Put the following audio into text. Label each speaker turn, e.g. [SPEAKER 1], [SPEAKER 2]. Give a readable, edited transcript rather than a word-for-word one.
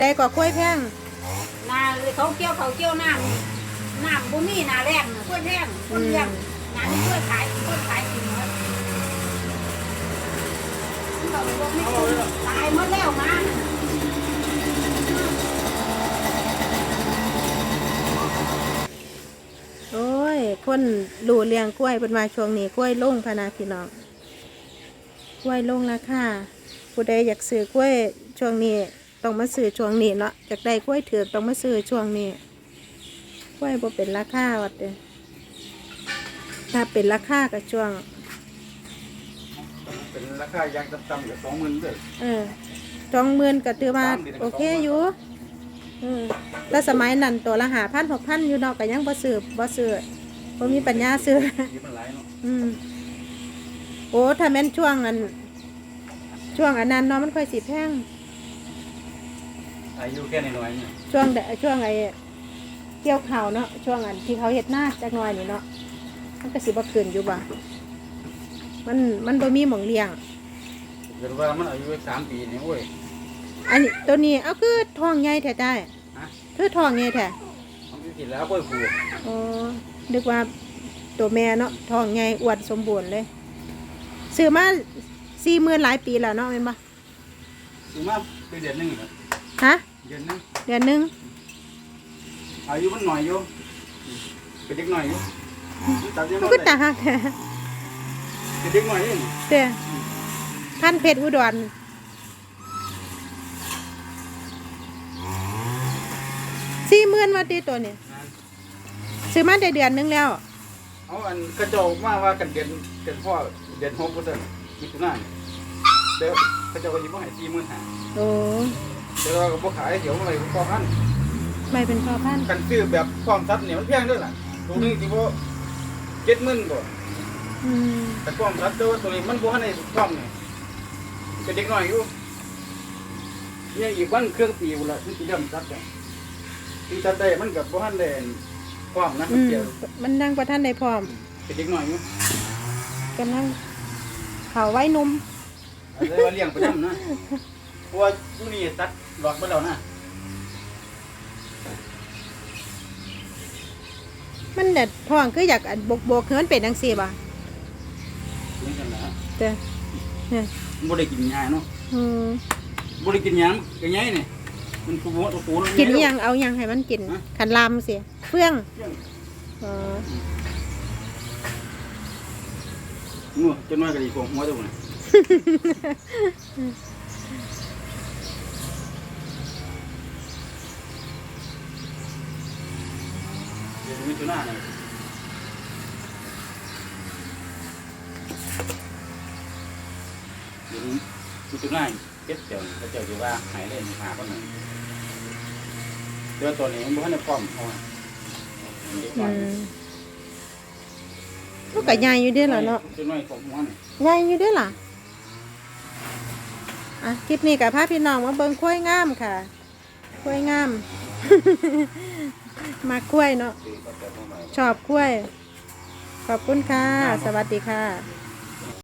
[SPEAKER 1] แต่ก็กล้วยแพง
[SPEAKER 2] นาเขาเกี่ยวน้ำบุมีนาแรงกล้วยแพงคนเลี้ยงนานี่กล้วยขายกินหมดเราบอกไม่ถูกตายหมดแล้วมา
[SPEAKER 1] โอ้ยคนดูเลี้ยงกล้วยเป็นมาช่วงนี้กล้วยลงพนาพี่น้องกล้วยลงราคาผู้ใดอยากซื้อกล้วยช่วงนี้ต้องมาซื้อช่วงนี้เนาะอยากได้กล้วยถือต้องมาซื้อช่วงนี้กล้วยบ่เป็นราคาวัดเด้อถ้าเป็นราคาก็ช่วง
[SPEAKER 3] เป็นราคายางต่ำๆอยู่20,000ด้วย
[SPEAKER 1] 20,000ก็ถือว่าโอเคอยู่แต่สมัยนั้นตัวละ5,000 6,000อยู่เนาะก็ยังบ่ซื้อบ่มีปัญญาซื้อ
[SPEAKER 3] มันหลายเนาะ
[SPEAKER 1] โอ้ถ้าแม่นช่วงอันนั้นเนาะมันค่อยสิแพง
[SPEAKER 3] อายุแค่น้อยๆนี่
[SPEAKER 1] ช่วงไอ้เกี่ยวข้าวเนาะช่วงอันที่เขาเฮ็ดนาจักหน่อยนี่เนาะมันก็สิบ่ขึ้นอยู่บ่มันบ่มีหม่องเลี้ยง
[SPEAKER 3] เกิดว่ามันอายุ3 ปีนี่โอ้ย
[SPEAKER 1] อันนี้ตัวนี้เอาคือท้องใหญ่แท้ได้คือท้องใหญ่แท้
[SPEAKER 3] มันกินแล้วกล้วยผู
[SPEAKER 1] อ๋อนึกว่าตัวแม่เนาะท้องใหญ่อวดสมบูรณ์เลยซื้อมา40,000หลายปีแล้วเนาะแม่นบ่
[SPEAKER 3] ซื้อมาเป็นเดือนนึงครับ
[SPEAKER 1] ฮะ
[SPEAKER 3] เดือนนึงอายุมันหน่อยอยู่เป็นเด็กหน่อยอยู่
[SPEAKER 1] มันก็ตาหักแท้
[SPEAKER 3] เป็นเด็กหน่อยเอง
[SPEAKER 1] เด้อพันเพชรอุดร40,000ว่าติตัวนี้ซื้อมาได้เดือนนึงแล้ว
[SPEAKER 3] เอาอันกระจกมาว่ากันเดือนพ่อเดือน6%มิถุนายนเดี๋ยวกระจกก็ยิ้มให้45,000
[SPEAKER 1] โอ้
[SPEAKER 3] เดี๋ยวเราก็บ่ขายเดี๋ยวอะไรก็พัน
[SPEAKER 1] ไม่เป็นพ่อพัน
[SPEAKER 3] กันซื้อแบบความซัดเนี่ยมันแพงด้วยล่ะตัวนึงสิบ่70,000บ่แต่ความซัดตัวนี้มันบ่ทันได้ความนี่เป็นเด็กน้อยอยู่เนี่ยอีกวันเครื่องปีพุ่นล่ะที่สิเริ่มซัดได้ที่ซัดได้มันก็บ่ทันได้ความนะเกี่ยว
[SPEAKER 1] มันนั่งบ่ทันได้พร้อม
[SPEAKER 3] เป็นเด็กน้อยอยู่
[SPEAKER 1] กำลังเขาไว้นม
[SPEAKER 3] เลยว่าเลี้ยงไปนำนะเพราะว่ามื้อนี้ตัดหลอกไปแล้วนะ
[SPEAKER 1] มันเด็ดท้องคืออยากบกเฮือนเป็นจังซี่บ่
[SPEAKER 3] นี่กันนะ
[SPEAKER 1] เด้อเนี่ย
[SPEAKER 3] บ่ได้กินยาเนาะบ่ได้กินยาก็ไงนี่มันกู
[SPEAKER 1] กินอีหยังเอาหยังให้มันกินขันลามสิเฟื่อง
[SPEAKER 3] งัวจนว่าก็ดีกว่าหัวตัวนี่เดี๋ยวมีตัวหน้านี่เดี๋ยวมีตัวหน้าเก็บเดี๋ยวเขาเจ้าจะว่าหายเล่นหาคนหนึ่งเดี๋ยวตัวนี้มันบ่ทันได้พร้อมเอา
[SPEAKER 1] ลูกก็ใหญ่อยู่เด้อล่ะเนาะ
[SPEAKER 3] ตัวน้อยของหัวนี่
[SPEAKER 1] ใหญ่อยู่เด้อล่ะคลิปนี้ก็พาพี่น้องมาเบิ่งกล้วยงามค่ะกล้วยงามมากล้วยเนาะชอบกล้วยขอบคุณค่ะสวัสดีค่ะ